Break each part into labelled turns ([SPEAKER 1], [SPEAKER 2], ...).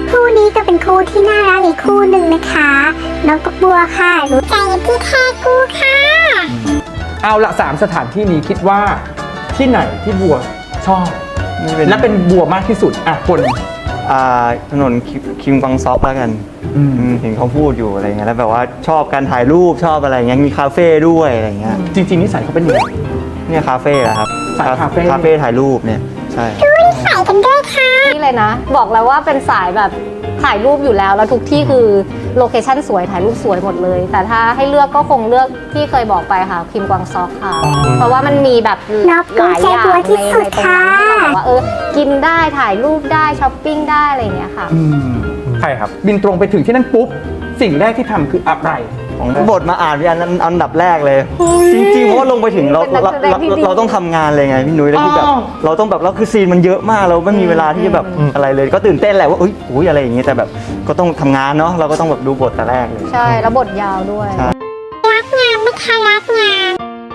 [SPEAKER 1] คู่นี้ก็เป็นคู่ที่น่ารักอีกคู่หนึ่งนะคะน้องกับบัวค่ะรู้ใจพี่แท้กูค่ะ
[SPEAKER 2] เอาละ3 สถานที่นี้คิดว่าที่ไหนที่บัวชอบและเป็นบัวมากที่สุดคน
[SPEAKER 3] ถนนคิมกวางซอกแล้วกันเห็นเขาพูดอยู่อะไรเงี้ยแล้วแบบว่าชอบการถ่ายรูปชอบอะไรเงี้ยมีคาเฟ่ด้วยอะไรเงี้ย
[SPEAKER 2] จริงๆนิสัยเขาเป็นยังไง
[SPEAKER 3] เนี่ยคาเฟ่เหรอครับ
[SPEAKER 2] สายคาเฟ่
[SPEAKER 3] ถ่ายรูปเนี่ยใช่
[SPEAKER 1] ใส่กันด้วยค่ะ
[SPEAKER 4] นี่เลยนะบอกแล้วว่าเป็นสายแบบถ่ายรูปอยู่แล้วทุกที่คือโลเคชั่นสวยถ่ายรูปสวยหมดเลยแต่ถ้าให้เลือกก็คงเลือกที่เคยบอกไปค่ะคิมกวางซอกค่ะเพราะว่ามันมีแบบหลายอย่างในตรงนั้นที่แบบว่ากินได้ถ่ายรูปได้ช้อปปิ้งได้อะไรอย่างเงี้ยค่ะ
[SPEAKER 2] ใช่ครับบินตรงไปถึงที่นั่นปุ๊บสิ่งแรกที่ทำคืออะไร
[SPEAKER 3] ของบทมาอ่านพี่อันดับแรกเลยจริงๆเพราะว่าลงไปถึงเราต้องทำงานเลยไงพี่นุ้ยแล้วคือแบบเราต้องแบบเราคือซีนมันเยอะมากเราไม่มีเวลาที่จะแบบอะไรเลยก็ตื่นเต้นแหละว่าอุ้ยอะไรอย่างเงี้ยแต่แบบก็ต้องทำงานเนาะเราก็ต้องแบบดูบทแต่แรกเลย
[SPEAKER 4] ใช่แล้วบทยาวด้วย
[SPEAKER 1] รักงานไม่ค่ะรักงาน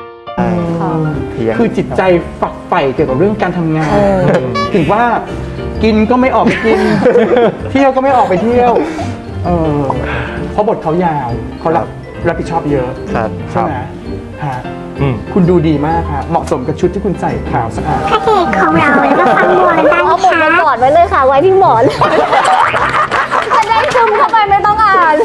[SPEAKER 2] คือจิตใจฝักใฝ่เกี่ยวกับเรื่องการทำงานถึงว่ากินก็ไม่ออกไปกินเที่ยวก็ไม่ออกไปเที่ยวเพราะบทเขายาวเขารับผิดชอบเยอะใช่ไหมฮะคุณดูดีมากครับเหมาะสมกับชุดที่คุณใส่ขาวสะอาด
[SPEAKER 1] พระเอกของเราแล้วก็ฟังบัวกันได้
[SPEAKER 4] เอาบทมากอดไว้เลยค่ะไว้ที่หมอนจะได้ซึมเข้าไปไม่ต้องอ่าน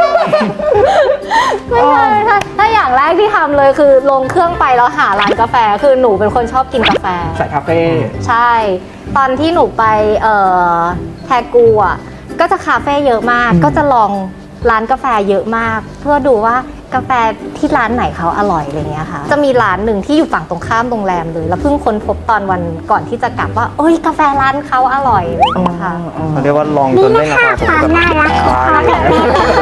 [SPEAKER 4] ไม่ใช่ถ้าอย่างแรกที่ทำเลยคือลงเครื่องไปแล้วหาร้านกาแฟคือหนูเป็นคนชอบกินกาแฟ
[SPEAKER 2] ใส่คาเฟ่
[SPEAKER 4] ใช่ตอนที่หนูไปแทกูอ่ะก็จะคาเฟ่เยอะมากก็จะลองร้านกาแฟเยอะมากเพื่อดูว่ากาแฟที่ร้านไหนเขาอร่อยอะไรเงี้ยค่ะจะมีร้านหนึ่งที่อยู่ฝั่งตรงข้ามโรงแรมเลยแล้วเพิ่งค้นพบตอนวันก่อนที่จะกลับว่ากาแฟร้านเขาอร่อยอะไรเงี้ยค่ะ
[SPEAKER 3] เขาเรียกว่าลองจนได้ราคา
[SPEAKER 1] ความน่ารักของเขาแบบนี้